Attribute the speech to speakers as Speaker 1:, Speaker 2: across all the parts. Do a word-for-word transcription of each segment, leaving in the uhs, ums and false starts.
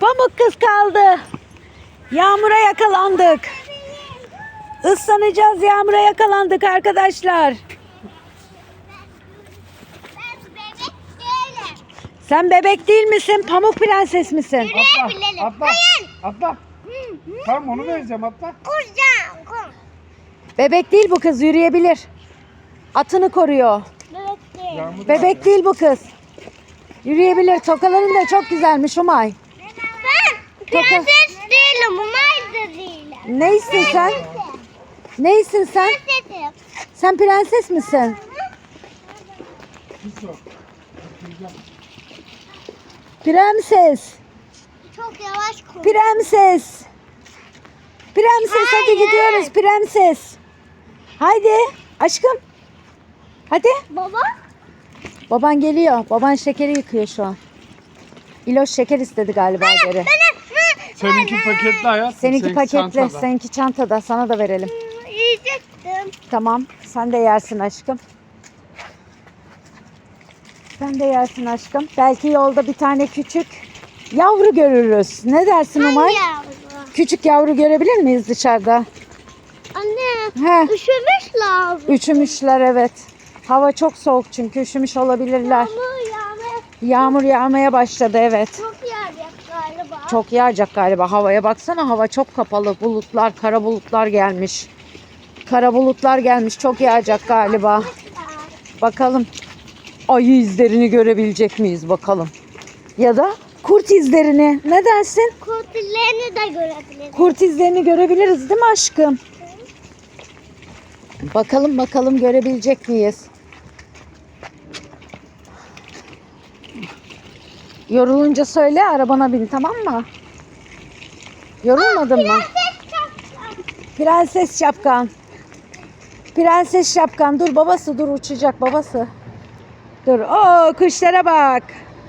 Speaker 1: Pamuk kız kaldı. Yağmura yakalandık. Islanacağız, yağmura yakalandık arkadaşlar. Sen bebek değil misin? Pamuk prenses misin?
Speaker 2: Yürüyebilelim.
Speaker 3: Atla,
Speaker 2: Hayır.
Speaker 3: atla. Tamam onu vereceğim atla.
Speaker 2: Koşacağım. Koş.
Speaker 1: Bebek değil bu kız, yürüyebilir. Atını koruyor.
Speaker 2: Bebek değil.
Speaker 3: Yağmur
Speaker 1: Bebek değil bu kız. Yürüyebilir. Tokaların da çok güzelmiş Umay.
Speaker 2: Ben prenses değilim. Umay da değilim.
Speaker 1: Neysin sen? Neysin sen?
Speaker 2: Prensesim.
Speaker 1: Sen prenses misin?
Speaker 3: Pis o.
Speaker 1: Prenses.
Speaker 2: Çok yavaş koş.
Speaker 1: Prenses. Prenses hadi
Speaker 2: Hayır.
Speaker 1: gidiyoruz prenses. Haydi aşkım. Hadi.
Speaker 2: Baba.
Speaker 1: Baban geliyor. Baban şekeri yıkıyor şu an. İloş şeker istedi galiba geri.
Speaker 3: Seninki paketli hayat.
Speaker 1: Seninki paketli.
Speaker 3: çantada.
Speaker 1: Seninki çantada. Sana da verelim.
Speaker 2: Yiyecektim.
Speaker 1: Tamam. Sen de yersin aşkım. Sen de yersin aşkım. Belki yolda bir tane küçük yavru görürüz. Ne dersin Umay?
Speaker 2: Yavru.
Speaker 1: Küçük yavru görebilir miyiz dışarıda?
Speaker 2: Anne.
Speaker 1: He.
Speaker 2: Üşümüş lazım.
Speaker 1: Üşümüşler evet. Hava çok soğuk çünkü üşümüş olabilirler.
Speaker 2: Yağmur yağmaya
Speaker 1: Yağmur yağmaya başladı evet.
Speaker 2: çok yağacak galiba.
Speaker 1: Çok yağacak galiba. Havaya baksana, hava çok kapalı. Bulutlar, kara bulutlar gelmiş. Kara bulutlar gelmiş. Çok yağacak galiba. Bakalım ayı izlerini görebilecek miyiz bakalım. Ya da kurt izlerini. Ne dersin?
Speaker 2: Kurtillerini de görebiliriz.
Speaker 1: Kurt izlerini görebiliriz değil mi aşkım? Bakalım bakalım görebilecek miyiz? Yorulunca söyle, arabana bin, tamam mı? Yorulmadın mı? Prenses şapkan. Prenses şapkan. Dur babası, dur uçacak babası. Dur. Oo, kuşlara bak.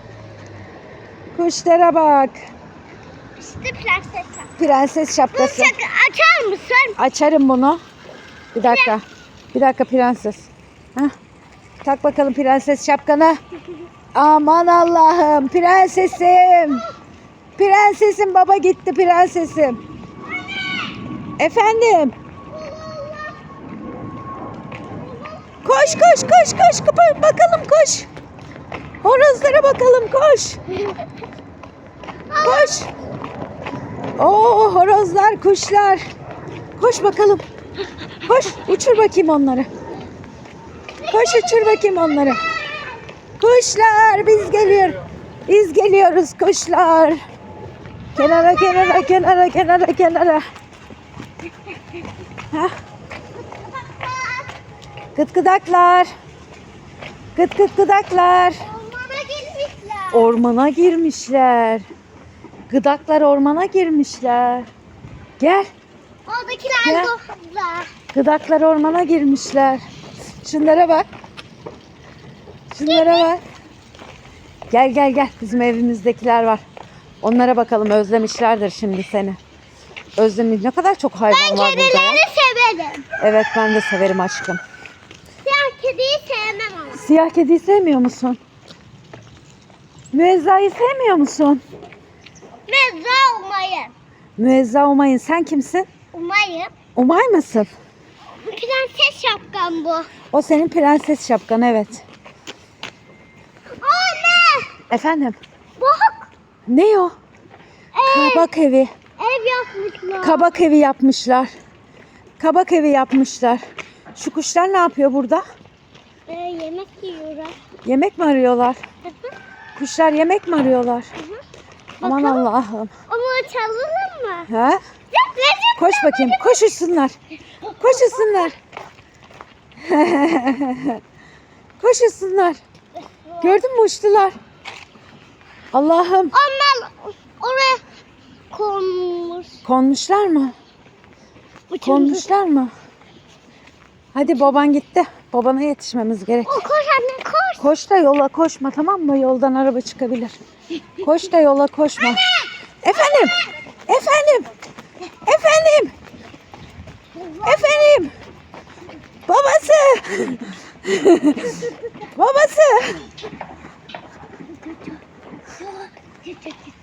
Speaker 1: Kuşlara bak.
Speaker 2: İşte prenses şapka.
Speaker 1: Prenses şapkası.
Speaker 2: Şapka açar mısın?
Speaker 1: Açarım bunu. Bir dakika. Bir dakika prenses. Heh. Tak bakalım prenses şapkanı. Aman Allah'ım, prensesim. Prensesim, baba gitti prensesim. Efendim. Koş koş koş koş. Kapa- Bakalım koş. Horozlara bakalım koş. Koş. Oo, horozlar, kuşlar. Koş bakalım. Koş, uçur bakayım onları. Koş, uçur bakayım onları. Kuşlar, biz geliyor. Biz geliyoruz kuşlar. Kenara, kenara, kenara, kenara, kenara. Hah. Gıt gıdaklar. Gıt gıt gıdaklar.
Speaker 2: Ormana gelmişler.
Speaker 1: Ormana girmişler. Gıdaklar ormana girmişler. Gel.
Speaker 2: Oradakiler
Speaker 1: Gel.
Speaker 2: doğdular.
Speaker 1: Gıdaklar ormana girmişler. Şunlara bak. Şunlara bak. Gel gel gel. Bizim evimizdekiler var. Onlara bakalım, özlemişlerdir şimdi seni. Özlemiş. Ne kadar çok hayvan
Speaker 2: Ben
Speaker 1: var burada ya.
Speaker 2: kedileri severim.
Speaker 1: Evet, ben de severim aşkım.
Speaker 2: Siyah kediyi sevmem ama.
Speaker 1: Siyah kediyi sevmiyor musun? Müezzayı sevmiyor musun?
Speaker 2: Mezra umayım.
Speaker 1: Müezza Umay'ın. Sen kimsin?
Speaker 2: Umayım.
Speaker 1: Umay mısın?
Speaker 2: Prenses şapkam bu.
Speaker 1: O senin prenses şapkan, evet.
Speaker 2: Anne.
Speaker 1: Efendim?
Speaker 2: Bak.
Speaker 1: Ne o?
Speaker 2: Ev,
Speaker 1: Kabak evi.
Speaker 2: ev yapmışlar.
Speaker 1: Kabak evi yapmışlar. Kabak evi yapmışlar. Şu kuşlar ne yapıyor burada?
Speaker 2: Ee, yemek yiyorlar.
Speaker 1: Yemek mi arıyorlar?
Speaker 2: Hı hı.
Speaker 1: Kuşlar yemek mi arıyorlar? Aman
Speaker 2: Bakalım.
Speaker 1: Allah'ım.
Speaker 2: Ama çalalım mı?
Speaker 1: Ha?
Speaker 2: Yok, recep.
Speaker 1: Koş bakayım. Koş uçsunlar. Koş uçsunlar. Koş uçsunlar. Gördün mü, uçtular. Allah'ım.
Speaker 2: Onlar oraya konmuş.
Speaker 1: Konmuşlar mı? Konmuşlar mı? Hadi baban gitti. Babana yetişmemiz gerek.
Speaker 2: O koş anne koş.
Speaker 1: Koş da yola koşma, tamam mı? Yoldan araba çıkabilir. Koş da yola koşma. Efendim? Efendim? Efendim? Efendim? Babası! Babası!